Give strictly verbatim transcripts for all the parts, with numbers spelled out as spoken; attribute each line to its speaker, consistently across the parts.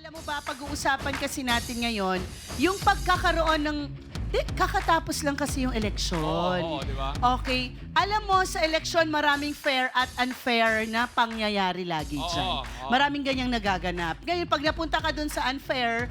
Speaker 1: Alam mo ba, pag-uusapan kasi natin ngayon, yung pagkakaroon ng... Di, kakatapos lang kasi yung eleksyon.
Speaker 2: Oo, oo, di ba?
Speaker 1: Okay. Alam mo, sa eleksyon, maraming fair at unfair na pangyayari lagi
Speaker 2: Oo,
Speaker 1: dyan.
Speaker 2: oo.
Speaker 1: Maraming ganyang nagaganap. Ngayon, pag napunta ka dun sa unfair,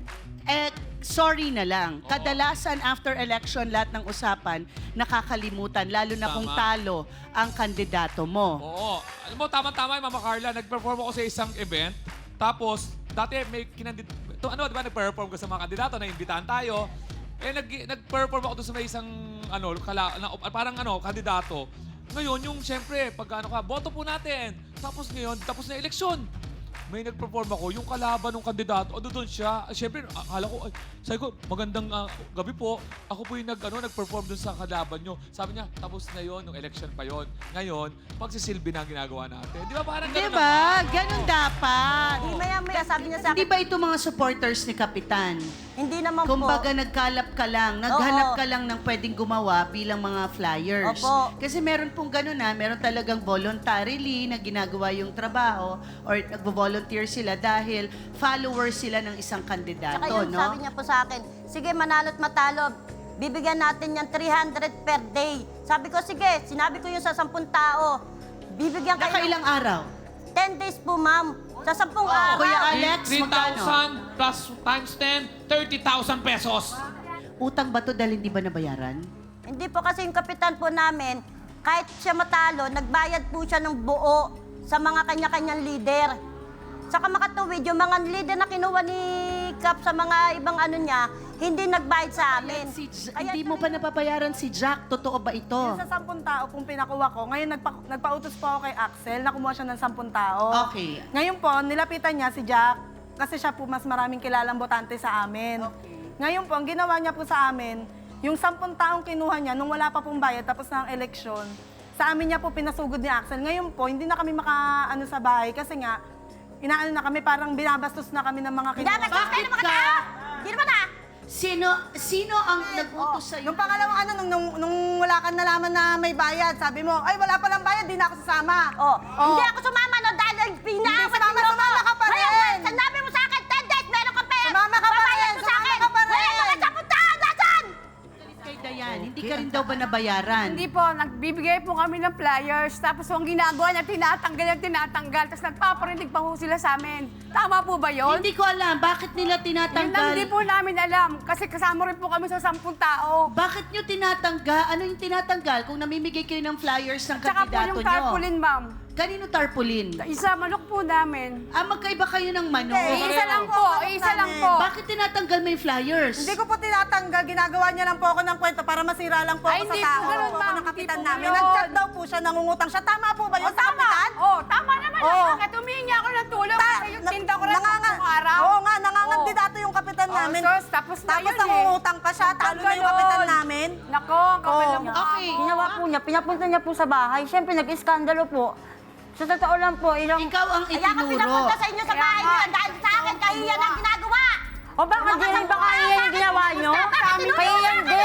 Speaker 1: eh, sorry na lang.
Speaker 2: Oo.
Speaker 1: Kadalasan, after election, lahat ng usapan, nakakalimutan, lalo na kung
Speaker 2: Tama.
Speaker 1: talo ang kandidato mo.
Speaker 2: Oo. Alam mo, tama-tama yung Mama Carla. Nag-perform ako sa isang event. Tapos, dati may kinandid... To, ano, di ba, nag-perform ko sa mga kandidato, naimbitahan tayo. Eh, nag, nag-perform ako doon sa may isang, ano, kala, na, parang, ano, kandidato. Ngayon, yung, syempre, pag, ano ka, boto po natin. Tapos ngayon, tapos na eleksyon. May nag-perform ako, yung kalaban ng kandidato, ano doon siya. Siyempre, akala ko, ay, sabi ko, magandang ah, gabi po. Ako po yung nag, ano, nag-perform doon sa kalaban nyo. Sabi niya, tapos na yon, nung election pa yon. Ngayon, pagsisilbi na ang ginagawa natin. Di ba parang
Speaker 1: Di
Speaker 2: ganun
Speaker 1: ba?
Speaker 2: naman?
Speaker 1: Ganun dapat.
Speaker 3: Di maya-maya, sabi niya sa
Speaker 1: Hindi
Speaker 3: akin,
Speaker 1: ba ito mga supporters ni Kapitan?
Speaker 3: hindi naman po.
Speaker 1: Kumbaga nagkalap ka lang, naghanap
Speaker 3: Oo.
Speaker 1: ka lang ng pwedeng gumawa bilang mga flyers.
Speaker 3: Opo.
Speaker 1: Kasi meron pong gano'n na, meron talagang voluntarily na ginagawa yung trabaho or nagvo-volunteer sila dahil followers sila ng isang kandidato,
Speaker 3: Tsaka yun,
Speaker 1: no?
Speaker 3: sabi niya po sa akin, sige, manalo't matalo, bibigyan natin yan three hundred per day. Sabi ko, sige, sinabi ko yun sa sampung tao. Bibigyan kayo ng
Speaker 1: Nakailang araw?
Speaker 3: ten days po, ma'am. Sa sampung
Speaker 1: Oh,
Speaker 3: araw.
Speaker 1: Kuya Alex,
Speaker 4: three
Speaker 1: magkano?
Speaker 4: thousand plus times ten, thirty thousand pesos.
Speaker 1: Utang ba to dahil hindi ba nabayaran?
Speaker 3: Hindi po kasi yung kapitan po namin, kahit siya matalo, nagbayad po siya ng buo sa mga kanya-kanyang leader. Saka makatuwid, yung mga leader na kinuha ni Cap sa mga ibang ano niya, hindi nagbayad sa amin.
Speaker 1: Si J-
Speaker 3: Kaya
Speaker 1: hindi mo pa napapayaran si Jack. Totoo ba ito?
Speaker 5: Yung sa sampung tao pong pinakuha ko, ngayon nagpa, nagpautos po ako kay Axel na kumuha siya ng sampung tao.
Speaker 1: Okay.
Speaker 5: Ngayon po, nilapitan niya si Jack kasi siya po mas maraming kilalang botante sa amin.
Speaker 1: Okay.
Speaker 5: Ngayon po, ang ginawa niya po sa amin, yung sampung taong kinuha niya nung wala pa pong bayad tapos na ang eleksyon, sa amin niya po pinasugod ni Axel. Ngayon po, hindi na kami maka-ano sa bahay kasi nga, inaano na kami, parang binabastos na kami ng mga kinuha.
Speaker 3: Dapat sa kayo ng mga
Speaker 1: ka?
Speaker 3: tao! Hindi naman ah!
Speaker 1: Sino sino ang nag-utos sa'yo?
Speaker 5: Nung pangalawang ano, nung, nung, nung wala kang nalaman na may bayad, sabi mo, ay wala palang bayad, di na ako sasama.
Speaker 3: Oh,
Speaker 5: Oh.
Speaker 3: hindi ako sumama no dahil pinaawat
Speaker 5: sumama,
Speaker 3: ninyo mo.
Speaker 5: sumama ka pa rin.
Speaker 3: Ngayon, sinabi mo sa akin, ten days, meron ka pera.
Speaker 5: Sumama ka pa
Speaker 3: Babayad
Speaker 5: rin,
Speaker 3: mo sa
Speaker 5: sumama
Speaker 3: akin.
Speaker 5: ka pa rin.
Speaker 3: Ngayon, mga sapuntahan, nasan?
Speaker 1: Kay Dayan, hindi ka rin daw ba nabayaran?
Speaker 6: Hindi po, nagbibigay po kami ng flyers. Tapos ang ginagawa niya, tinatanggal yung tinatanggal. Tapos nagpaparinig pa ho sila sa amin. Tama po ba yun?
Speaker 1: Hindi ko alam, bakit nila
Speaker 6: Yun lang
Speaker 1: tinatanggal?
Speaker 6: hindi po namin alam. Kasi kasama rin po kami sa sampung tao.
Speaker 1: Bakit nyo tinatanggal? Ano yung tinatanggal kung namimigay kayo ng flyers ng
Speaker 6: Tsaka po
Speaker 1: kandidato
Speaker 6: yung
Speaker 1: nyo?
Speaker 6: tarpaulin, ma'am.
Speaker 1: Kanino tarpaulin?
Speaker 6: Isa manok po namin.
Speaker 1: Ah, magkaiba kayo ng manok.
Speaker 5: Hindi.
Speaker 6: Isa lang po, isa lang po.
Speaker 1: Bakit tinatanggal mo yung flyers?
Speaker 5: Hindi ko po tinatanggal, ginagawa niya lang po ako ng kwento para masira lang po
Speaker 6: Ay,
Speaker 5: ako sa
Speaker 6: hindi
Speaker 5: tao.
Speaker 6: po ganun,
Speaker 5: Ako
Speaker 6: ma'am.
Speaker 5: ng kapitan
Speaker 6: Hindi po
Speaker 5: namin.
Speaker 6: ganun.
Speaker 5: Nag-chat daw po siya, nangungutang siya. Tama po ba yun
Speaker 6: O,
Speaker 5: sa
Speaker 6: tama.
Speaker 5: kapitan?
Speaker 6: Oh, tama naman.
Speaker 5: Oo.
Speaker 6: Bakit humingi ako ng tulong?
Speaker 5: Ta-
Speaker 6: Kasi yung
Speaker 5: na-
Speaker 6: tinda ko rin
Speaker 5: nanganga-
Speaker 6: ng araw.
Speaker 5: Oo nga, nangangandidato
Speaker 6: Oo.
Speaker 5: yung kapitan
Speaker 6: Oh,
Speaker 5: namin.
Speaker 6: sus, tapos na
Speaker 5: Tapos
Speaker 6: yun eh.
Speaker 5: nangungutang ka siya, talo na yung
Speaker 6: Ganun.
Speaker 5: kapitan namin.
Speaker 6: Nako, ang kapal
Speaker 5: Oo.
Speaker 6: ng mukha
Speaker 1: Okay.
Speaker 6: mo.
Speaker 3: Ginawa po niya, pinapunta niya po sa bahay. Siyempre, nag-iskandalo po. Sa totoo lang po, ilang...
Speaker 1: Ikaw ang
Speaker 3: Kaya ka
Speaker 1: itinuro.
Speaker 3: pinapunta sa inyo sa
Speaker 6: Kaya
Speaker 3: bahay
Speaker 6: nga.
Speaker 3: niyo dahil sa akin, kahiyan ang ginagawa.
Speaker 7: O baka
Speaker 3: Mga
Speaker 7: di rin
Speaker 3: kasama
Speaker 7: baka
Speaker 3: ko,
Speaker 7: iyan yung
Speaker 3: bakit
Speaker 7: ginawa
Speaker 3: mo
Speaker 7: nyo?
Speaker 3: gusto? Bakit tinulungan
Speaker 7: Kahiyan
Speaker 3: natin?